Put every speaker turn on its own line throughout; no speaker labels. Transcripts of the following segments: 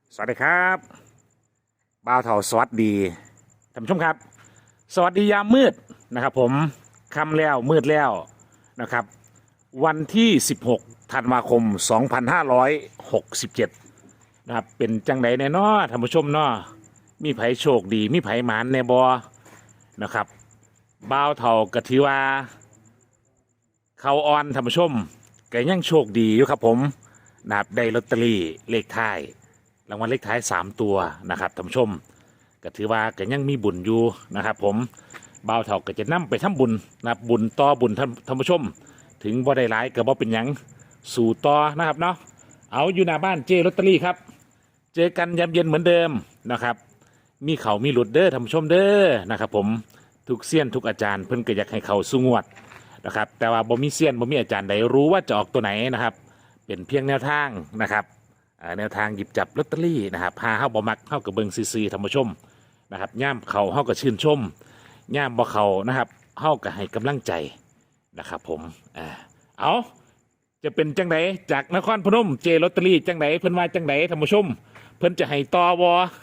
สวัสดีครับบ่าวเถาสวัสดีท่านผู้ชมครับสวัสดียามมืดนะครับผมค่ำแล้วมืดแล้วนะครับวันที่16ธันวาคม2567นะครับเป็นจังไดแน่นอท่านผู้ชมเนาะมีไผโชคดีมีไผหมานแน่บอนะครับบ่าวเถากะทิว่าเขาออนท่านผู้ชมก็ยังโชคดีอยู่ครับผมนะครับได้ลอตเตอรี่เลขท้ายรางวัลเลขท้าย3ตัวนะครับท่านผู้ชมก็ถือว่าก็ยังมีบุญอยู่นะครับผมบ่าวเถาก็จะนำไปทำบุญนะครับบุญต่อบุญท่านผู้ชมถึงบ่ได้หลายก็บ่เป็นหยังสู่ต่อนะครับเนาะเอาอยู่หน้าบ้านเจลอตเตอรี่ครับเจอกันยามเย็นเหมือนเดิมนะครับมีเขามีหลุดเด้อท่านผู้ชมเด้อนะครับผมทุกเซียนทุกอาจารย์เพิ่นก็อยากให้เขาสู้งวดนะครับแต่ว่าบ่มีเซียนบ่มีอาจารย์ใดรู้ว่าจะออกตัวไหนนะครับเป็นเพียงแนวทางนะครับแนวทางหยิบจับลอตเตอรี่นะครับพาเฮาบ่มักเฮากับเบิงซื่อๆท่านผู้ชมนะครับย่ามเขาเฮาก็ชื่นชมย่ามบ่เขานะครับเฮาก็ให้กำลังใจนะครับผมเอาจะเป็นจังไดจากนครพนมเจลอตเตอรี่จังไดเพิ่นว่าจังไดท่านผู้ชมเพิ่นจะให้ต่อบ่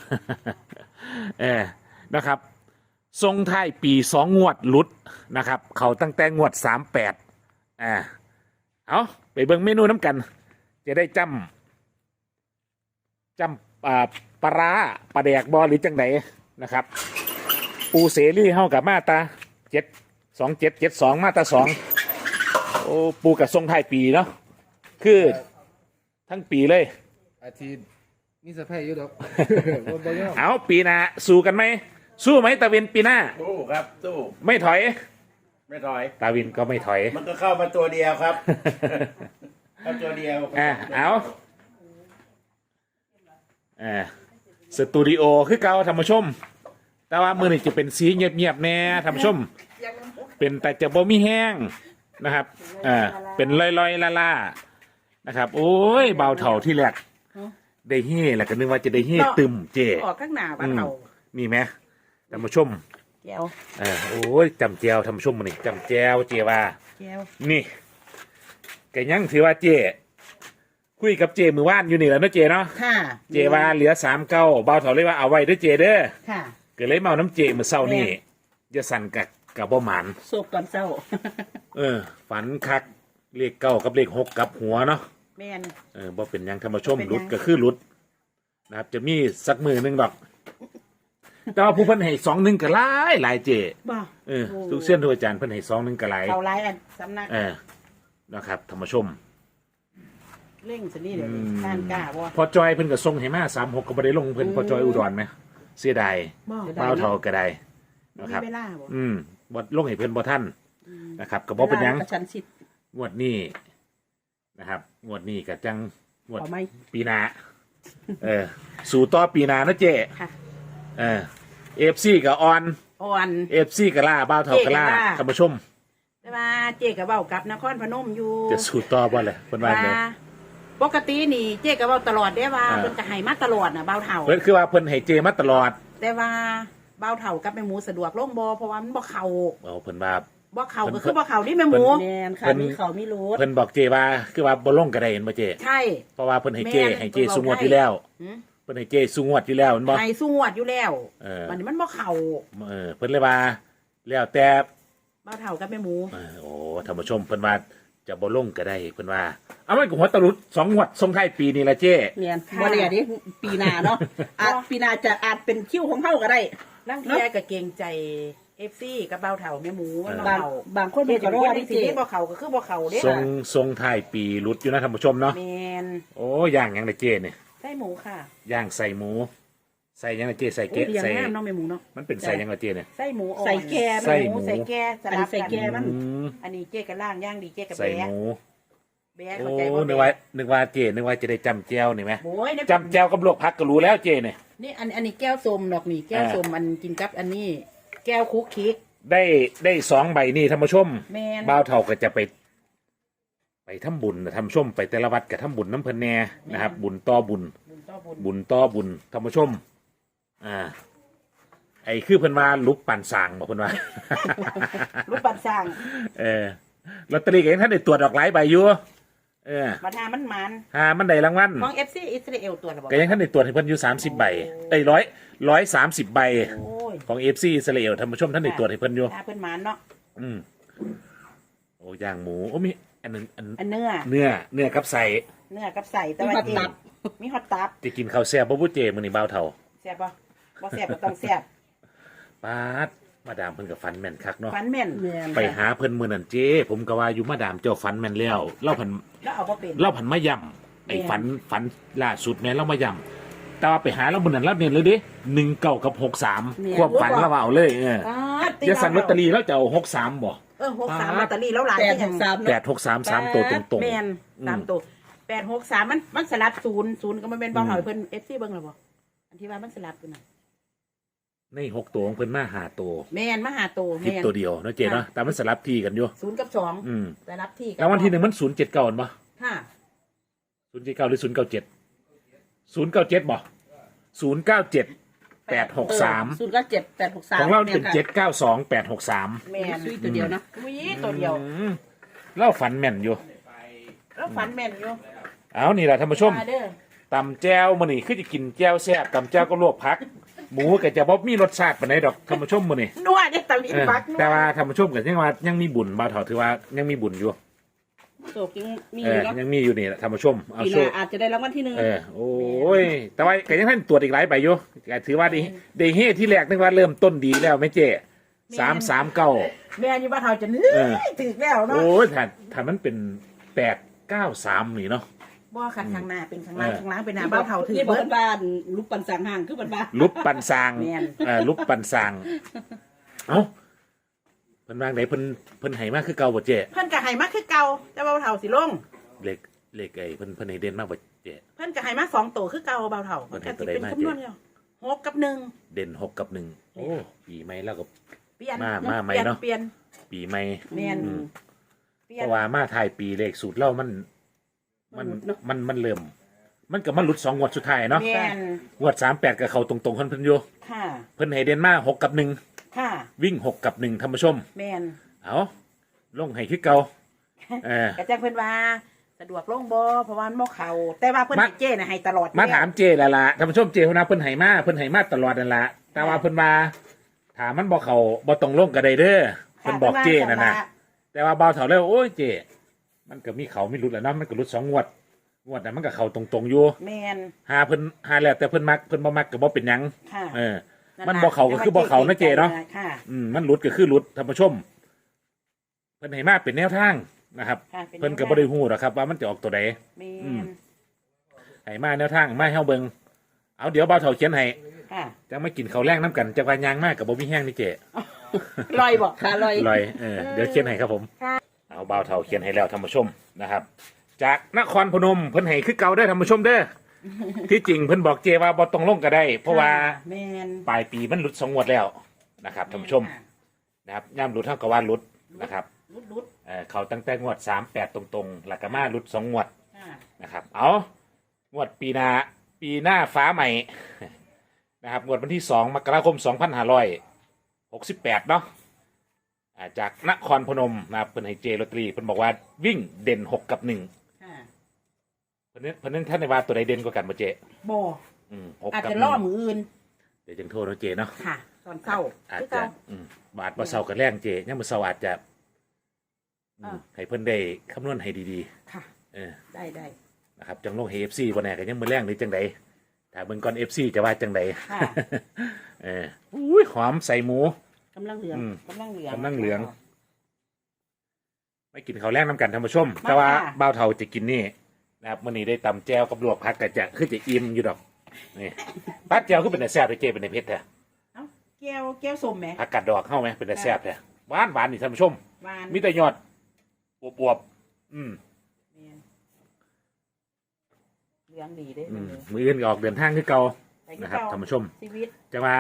นะครับทรงท้ายปี2งวดหลุดนะครับเขาตั้งแต่งวด38เอาไปเบิ่งเมนูน้ำกันจะได้จำปลาร้าปลาแดกบอหรือจังไดนะครับปูเสรีเฮากับมาตรา72772มาตรา2โอ้ปูกับทรงท้ายปีเนาะคือทั้งปีเลย
อาทิตย์มีสะพายอยู่ดอก บ่บ่ยอม
เอาปีหน้าสู้กันไหมสู้ไหมตาวินปีหน้า
สู้ครับสู้
ไม่ถอย
ไม่ถอย
ตาวินก็ไม่ถอย
มันก็เข้ามาตัวเดียวครับ เข้าตัวเดียว
เอาสตูดิโอคือเก่าท่านผู้ชม แต่ว่ามือนี่จะเป็นสีเงียบๆแน่ท่านผู้ชม เป็นแต่จะบ่มีแห้งนะครับเป็นลอยๆล่าๆนะครับ โอ้ยเบาเถ่าที่แรกได้เฮ่แหละก็นึกว่าจะได้เฮ่ตึมเจ
ออกข้างหน้าบ้านเรา
นี่ไหมท่านผู้ชม
แก้ว
โอ้ยจำแจวท่านผู้ชมมือนี่จำแจวเจว่า
แก้ว
นี่แกยังถือว่าเจคุยกับเจมือว่านอยู่นี่แหล้วเนาะเจเนาะ
ค่ะ
เจว่าเหลือ3เก้าเบาเถาเลยว่าเอาไว้เด้วยเจเด้อ
ค่ะ
ก็เลยเมาน้ำเจมือเศร้านี่จะสั่นกับบ่หมัน
โศกตอนเศร้า
ฝันคักเลขเก้ากับเลข6กับหัวเนาะ
แม่น
บ่เป็นหยังท่านผู้ชม
บ่เป็นหยัง
หลุดก็คือหลุดนะครับจะมีสักมือหนึงดอก แต่ว่าผู้เพิ่นให้2-1ก็หลายเจ
บ่
ทุกเส้นทุกอาจารย์เพิ่นให้2-1ก็หลาย
เขาไล่อันสำนัก
นะครับท่านผู้ชม
เร่งสนี่เดี๋ยวนี้ทานกล้าบ่
พอจอยเพิ่นก็ส่งให้มา36ก็บ่ได้ลงเพิ่นพอจอยอุดรไหมเสียดาย
บ่
เป้าเท่าก็ได้
มี
นะครับ
เวลาบ่
บ่ลงให้เพิ่นบ่ทันนะครับก็บ่เป็นหยัง
วลากระชั้นชิด
งวดนี้นะครับงวดนี้ก็จังงวด
เอาไหม
ปีหน้าสู่ต่อปีหน้านะเจ้
ค่ะ
FC ก็ออน
อ่อน
FC ก็ล่าบ้าวเท่าก็ล่า
เจ๊ก็ล่า
ท่านผู้ชม
แต่ว่าเจ๊ก็เว้ากับนครพนมอยู่
จะสู่ต่อบ่ล่ะเพิ่นว่า
ว่า
ไง
ปกตินี่เจ๊ก็เว้าตลอดได้ว่า
อ่า
เพิ่นก็ให้มาตลอดน่ะเบาเฒ่า
เพิ่นคือว่าเพิ่นให้เจมาตลอด
แต่ว่าเบาเฒ่ากับแม่หมูสะดวกลงบ่เพราะว่ามันบ่เข้า
เอาเพิ่นว่า
บ่เข้าก็คือบ่เข้านี่แม่หมู
เพิ่น
แม่นค่ะ
เพิ่น
มีเขามีรูด
เพิ่นบอกเจว่าคือว่าบ่ลงก็ได้เห็นบ่เจ
ใช่
เพราะว่าเพิ่นให้เจ
แม่น
ให้เจสูงวดอยู่แล้ว
หืม
เพิ่นให้เจสูงวดอยู่แล้วแม่นบ่
ให้สู้งวดอยู่แล้ว วันนี้มันบ่เข้า
เพิ่นเลยว่าแล้วแต่
เบาเฒ่ากับแม่หมู
โอ้ท่านผู้ชมเพิ่นว่าจะบ่ลงก็ได้เพิ่นว่าเอามันก็หัวตะลุด2งวดส่งท้ายปีนี่ล่ะเจ
เนียนบ่ได้ดิปีหน้าเนาะอาจปีหน้าจะอาจเป็นคิวของเฮาก็ได้
นั่งเทียก็เกรงใจ FC กับเบาเฒ่าแม่หมูมันบ่
บาง
เข้า
บางคน
เฮ็
มั
ด
น
จั
ก็
ง
รอ
ว่า
ด
ที่
ที่
สิ
สิ
บ่เข้าก็คือบ่เข้าเด้
ส่งท้ายปีหลุดอยู่นะท่านผู้ชมเนาะ
แม่น
โอ้ย่างหยังล่ะเจเนี่ย
ไส้หมูค่ะ
ย่างใส่หมูใส่หยังล่ะเจใส่
โอ้
เกะ
เลี้ยง
ใส่
งามเนาะแม่หมูเนาะ
มันเป็นใส่หยังล่ะเจเนี่ย
ไส้หมูอ่อน
ใส่แก่
ใส่
แม่
หมู
ใส่แก่สลับ
อันนี้ใส่
กัน
แก่มัน
อันนี้เจ๊ก็ล่างย่างดีเจ๊ก็
ใส่
แบะ
หมู
แบะ
โอ้
เข้าใจบ่
นึกว่าเจนึกว่าจะได้จำแจวนี่ไหม
โอ้ยเนี่ย
จำแจวกับลวกผักก็รู้แล้วเจเนี่ย
นี่อันนี้แก้วส้มดอกนี่แก้วส้มมันกินกับอันนี้ แก้วคุกคิก
ได้2ใบนี่ท่านผู้ชม
แม่น
บ่าวเฒ่าก็จะไปทำบุญนะท่านผู้ชมไปแต่ละวัดก็ทำบุญน้ำเพิ่นแน่นะครับ บุญต่อบุญ
บุญต่อบุญ
บุญต่อบุญท่านผู้ชม ไอ้คือเพิ่นว่าลุกปั่นสร้างบอกเพิ่นว่า
รูปปั้นสร้าง
ลอตเตอรี่ก็ยังท่านได้ตรวจออกหลายใบอยู่
มาทามันมัน
หามันได้รางวัล
ของ FC อิสราเอลตัวละบอก
ก็ยังท่านได้ตรวจให้เพิ่นอยู่30 ใบได้130 ใบ
โอ้ย
ของ FC อิสราเอลท่านผู้ชมท่านได้ตรวจให้เพิ่นอยู่
ทาเพิ่นมันเนาะ
อืมโอ้ย่างหมูโอ้มีอันนึง
อันเนื้อ
เนื้อกับใส่
เนื้อกับใส่แต่ว่าเจมีฮอตตับ
จะกินข้าวแซ่บบ่ผู้เจมื้อนี้บ่าวเฒ่า
แซ่บบ่บ่แซ่บก็ต้องแซ่บ
ปาดมาดามเพิ่นก็ฝันแม่นคักเนาะ
ฟันแม่น
แม่น
ไปหาเพิ่นมื้อนั้นเจ้ผมก็ว่าอยู่มาดามเจ้าฝันแม่นแล้วเล่าผัน
แล้วเอาบ่เป็น
เล่าผันมาย่ำไอ้ฝันล่าสุดแม่นเล่ามาย่ำแต่ว่าไปหาแล้วมื้อนั้นเราเน้นเลยเด้19กับ63ควบฝันแล้วว่าเอาเลยอย่าสั่งลอตเตอรี่แล้วจะเอา63บ่
63ลอตเตอรี่แล้วหลาย
863
863 3ตัวตรง
แม่น3ตัว863มันสลับ0ก็มันเป็นบ่เฮาเพิ่น FC เบิ่งแล้วบ่อันที่ว่ามันสลับอยู่น่ะ
ๆใน6ตัวของเพิ่นมา5ตัว
แม่นมาหาตัว
ผิด
แม่น
ตัวเดียวเนาะเจ้เนาะแต่มันสลับที่กันอยู่
0กับ2
อืม
สลับที่กั
แล้ววันที่1มัน079บ่
ค่ะ
079หรือ097 097บ่097 863
097 863
ของเราเป็น792 863
แม่น
ซุยตัวเดียวเนาะ
อุ้ยตัวเดียว
เล่าฝันแม่นอยู่
แล้วฝันแม่นอยู่
เอานี่แหละท่านผู้ชม
มาเด้อ
ตำแจ้วมื้อนี้คือจะกินแจ้วแซ่บตำแจ้วก็ลวกผัก หมูก็จะบ่มีรสชาติปานใดดอกท่านผู้ชมมื้อนี้
นัวเด้ตะลิ
เออ
ปักนัว
แต่ว่าท่านผู้ชมก็ยังว่ายังมีบุญบ่าวเฒ่าถือว่ายังมีบุญอยู่
โศกยังมี
เอ
อยู่
อ
เนาะ
ยังมีอยู่นี่แหละท่านผู้ชมเอา
ปีห
โช
น้า
ค
อาจจะได้รางวัลที่1
โอ้ยแต่ว่าก็ยังท่านตรวจอีกหลายใบอยู่ก็ถือว่าได้เฮที่แรกนึกว่าเริ่มต้นดีแล้วแม่เจ้339
แม่อยู่บ้านเฮาจะเหนื่อยถึกแล้วเนาะ
โอ้ยถ้ามันเป็น893นี่เนาะ
บ่คันข้างหน้าเป็นข้างหน้าข้างหลังเป็นหน้าบ้านเฮาถึก
นี่บอ
เบิ
ก
ด
บ้านลูกปันสังห่างคือบ้าน
ลุบปันซาง
แม่น
ลุบปันซางเอ้าเพิ่นวางไหนเพิ่นให้มาคือเก่าบ่เจ้
เพิ่นก็ให้มาคือเก่าแต่ว่าบ้านเฮาสิลง
เลขไอ้เพิ่นให้เด่นมากบ่เจ้
เพิ่นก็ให้มา2ตัวคือเก่าบ้านเฮา
เพิ่
เพิ่
น
น
ให้
ก็
ตัวใดมา
สิเป็นคำนวณแล้ว6กับ1
เด่น6กับ1โอ้ปีใหม่แล้วก็
เปลี่ยน
มาใหม่เนาะ
เปลี่ยน
ปีใหม่
แม่น
อืม
เปลี่
เพ
ยน
ราะว่ามาถ่ายปีเลขสูตรเรามันเริ่มมันก็มาหลุด2งวดสุดท้ายเนาะ
แม่น
งวด38ก็เข้าตรงๆเพิ่นอยู่
ค่ะ
เพิ่นให้เด่นมา6กับ1
ค่ะ
วิ่ง6กับ1ท่านผู้ชม
แม่น
เอาลงให้คือเก่า
ก็จังเพิ่นว่าสะดวกลงบ่เพราะว่ามันบ่เข้าแต่ว่าเพิ่นให้เจ้น่ะให้ตลอดอยู่
มา
แล้ว
ถามเจแล้วล่ะท่านผู้ชมเจคนนะเพิ่นให้มาตลอดนั่นล่ะแต่ว่าเพิ่นมาถามมันบอกเขาบ่ต้องลงก็ได้เด้อเพิ่นบอกเจนั่นน่ะแต่ว่าเบาเถาแล้วโอ้ยเจมันก็มีเขามีหลุดแหล้วเนาะมันก็หลุด2 งวดน่ะมันก็เข้าตรงๆอยู่
แม่น
หาแล้วแต่เพิ่นมักเพิ่นบ่มักก็บ่เป็นหยัง
ค่ะ
เออ มันบ่เข้าก็คือบ่เข้านะเจเนาะ
ค่ะ
มันหลุดก็คือหลุดท่านผู้ชมเพิ่นให้มาเป็นแนวทางนะครับ
ค่ะ
เพิ่นก็บ่ได้ฮู้หรอกครับว่ามันจะออกตัวใด
แม่
อืม
น
ให้มาแนวทางมาให้เฮาเบิ่งเอาเดี๋ยวเบาเถาเขียนให้
ค่ะ
จังไม่กินข้าวแรงน้ำกันจะพายางมากกับบ่มีแห้งนี่เจ
ลอยบ่
ขาลอย
ลอยเดี๋ยวเขียนให้ครับผม
ค่ะ
เอาเบาเท่าเขียนให้แล้วท่านผู้ชมนะครับ จากนครพนมเพิ่นให้คือเก่าเด้อท่านผู้ชมเด้อ ที่จริงเพิ่นบอกเจว่าบ่ต้องลงก็ได้ เพราะว่า
แม่น
ปลายปีมันหลุด2 งวดแล้วนะครับท่านผู้ชมนะครับย่ำหลุดเท่ากับว่าหลุดนะครับ
รุด
เขาตั้งแต่งวด38ตรงๆหลักกมาหลุด2 งวด
ค่ะ
นะครับเอางวดปีหน้าฟ้าใหม่ นะครับงวดวันที่2 มกราคม 2568เนาะจากนครพนมนะครับเพิ่นให้เจลอตเตอรี่เพิ่นบอกว่าวิ่งเด่น6กับ1
ค่ะ
เพิ่นนึงท่านในว่าตัวใดเด่นกว่ากันบ่เจ
บ่
6
อาจ
กับ
จะล่อมืออื่น
เดี๋ยวจึงโทษเนาะเจเนาะ
ค่ะ ตอนเช้า
อาจ
คือ
จะ
เก่า
บาทบ่เซากับแรงเจยังบ่เซาอาจจะ
อ่า
ให้เพิ่นได้คำนวณให้ดี
ค่ะ
ๆ
ได้
นะครับจังลงให้ FC บ่แน่ก็ยังมื้อแรงหรือจังใดถ้าเบิ่งก่อน FC จะว่าจังใด
ค่ะ
อุ้ยหอมใส่หมู
กำลังเหลือง
กำลังเหลือง
กำลังเหลือง ไม่กินข้าวแรกน้ำกันท่านผู้ชม
มา
แต่ว่า
ค่ะ
บ่าวเทาจะกินนี่นะครับมื้อนี้ได้ตำแจวกับลวกผักก็จะคือจะอิ่มอยู่ดอกนี่ปัดแจวคือเป็นแต่แซ่บเลยเจเป็นแต่เผ็ดแท้
เอ้าแก้วส้มแหม
ผักกาดดอกเข้าไหมเป็นแต่แซ่บแท้หวานนี่ท่านผู้ชม
หวาน
มีแต่ยอดอวบๆ
แม่นเหลืองดีเด้
มื้ออื่นก็ออกเดินทางคือเก่า
ไปคือ
นะครับ
เก่
ท่านผู้ชม
ชีวิต
จะว่า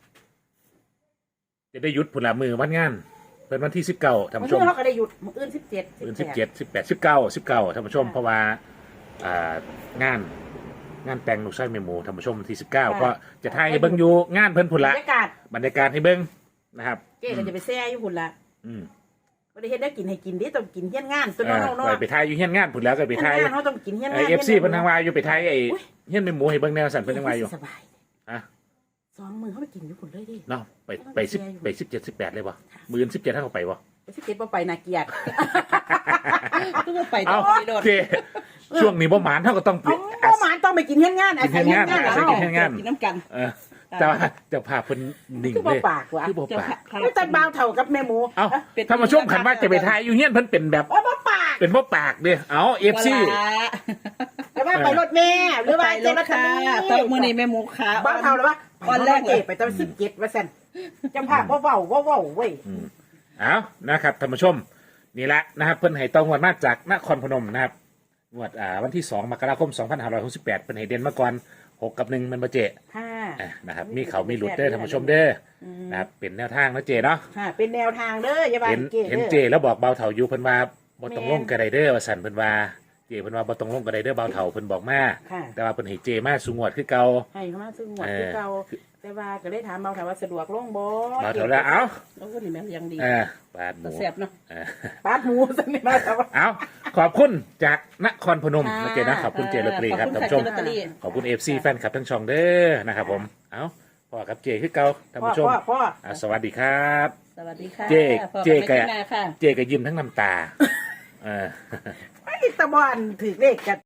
จะได้หยุดผลละมือวันงานเป็นวันที่19ท่าน
มื้อ
ผู้ชม
เราก็ได้หยุดมื้ออื่น17
วัน17 18 19ท่านผู้ชมเพราะว่างานแต่งลูกชายแม่หมูท่านผู้ชมวันที่19ก็จะถ่ายให้เบิ่งอยู่งานเพิ่นพุ่น
บร
ละ
รยากาศ
บรรยากาศให้เบิ่งนะครับ
เจ๊ก็จะไปแซ่อยู่พุ่นละ
อืม
บ่ได้เฮ็ดได้กินให้กินดิต้องกินเฮียนงานตัวน้องๆ
ไปทายอยู่เฮียนงานผุนแล้วก็ไปทาย
เฮียนงานเขาต้องกินเฮียนงาน
FC เพิ่นทางวายอยู่ไปทายไอ้เฮียนเป็นหมูให้เบิ่งแนวสั่นเพิ่นทางวายอยู่
สบาย
อ่ะ
2 มื้อเขาไปกินอยู่พุ่นเลยดิ
เนาะไป10ไป17 18เลยบ่มื้อ17ถ้าเขาไปบ่
ไปสิเก็บบ่ไปน่าเกลียด
ก็ว่าไปต่
เอ้า
อไปโดด
เจช่วงนี้บ่หมานเฮาก็ต้อง
เอาบ่หมานต้องไปกินเฮียนงานอาศัยเฮียนงาน
อาศัย
เฮา
เฮียนงาน
กินน้ำกัน
เออแต่ว่าเจ้าภาพเพิ่นนิ่ง
คือบ่
เลย
ปากว่ะ
คือบ่
เจ้า
ปาก
ค่ะ
ไม่แต่บ่าวเท่ากับแม่หมู
เอ้าถ้ามาช่วงขันว่าจะไปทายอยู่เฮียนเพิ่นเป็นแบบ
ว่าบ่ปาก
เป็นบ่ปากเด้เอ้า FC
แต่ว่าไปรถแม่หรือว่า
ไป
เจ
ร
ร
ถ
จา
ค่ะตบมือในแม่หมูขา
บ้านเฮาหรือว่า
วันแรกเลย
ไปตอน17ว่าซั่นจำภาพบ่เว้าเว้ย
เอานะครับท่านผู้ชมนี่แหละนะครับเพิ่นให้ต้องงวดมาจากนครพนมนะครับงวดวันที่2มกราคม2568เพิ่นให้เด่นมาก่อน6กับ1มันบ่เจ
ค่ะ
นะครับมีเขามีหลุดเด้อท่านผู้ชมเด้อนะครับเป็นแนวทางนะเจเนาะ
ค่ะเป็นแนวทางเด้ออย่าว่า
เห็น
เก๋
เห็น
เด้อ
เจแล้วบอกเบาเถาอยู่เพิ่นว่าบ่ต้องลงกระไดเด้อว่าสั่นเพิ่นว่าเจเพิ่นว่าบ่ต้องลงกระไดเด้อเบาเถาเพิ่นบอกมา
ค่ะ
แต่ว่าเพิ่นให้เจมาสูงวดคือเก่า
ให้เขามาซึ่งหมดคือเก่าแต่ว่าก็เลยถามเบาถามว่าสะดวกลงบ่
เบาเถาแล้วเอ้า
แล้วก็นี่แม่ยังดี
บาดหมู
แซ่บเนาะ
เออ
ปาดหมูซั่นนี่มาแต่ว่า
เอาขอบคุณจากนครพนมนะเจนะขอบคุณเจลอตเตอรี่ครับท่านผู้ชม
ขอบคุณค่ะเจลอตเตอรี่
ขอบคุณ FC แฟนคลับทั้งช่องเด้อนะครับผมเอาพ่อกับเจคือเก่าท่านผู้ชม
พ่อ
สวัสดีครับ
สวัสดีค่ะ
เจ๊
พบ
เจ๊
กัน
แกะ
ใหม่คลิปหน้าค่ะ
เจก็ยิ้มทั้งน้ำตา
ไอ้ตะบอนถือเลขกัน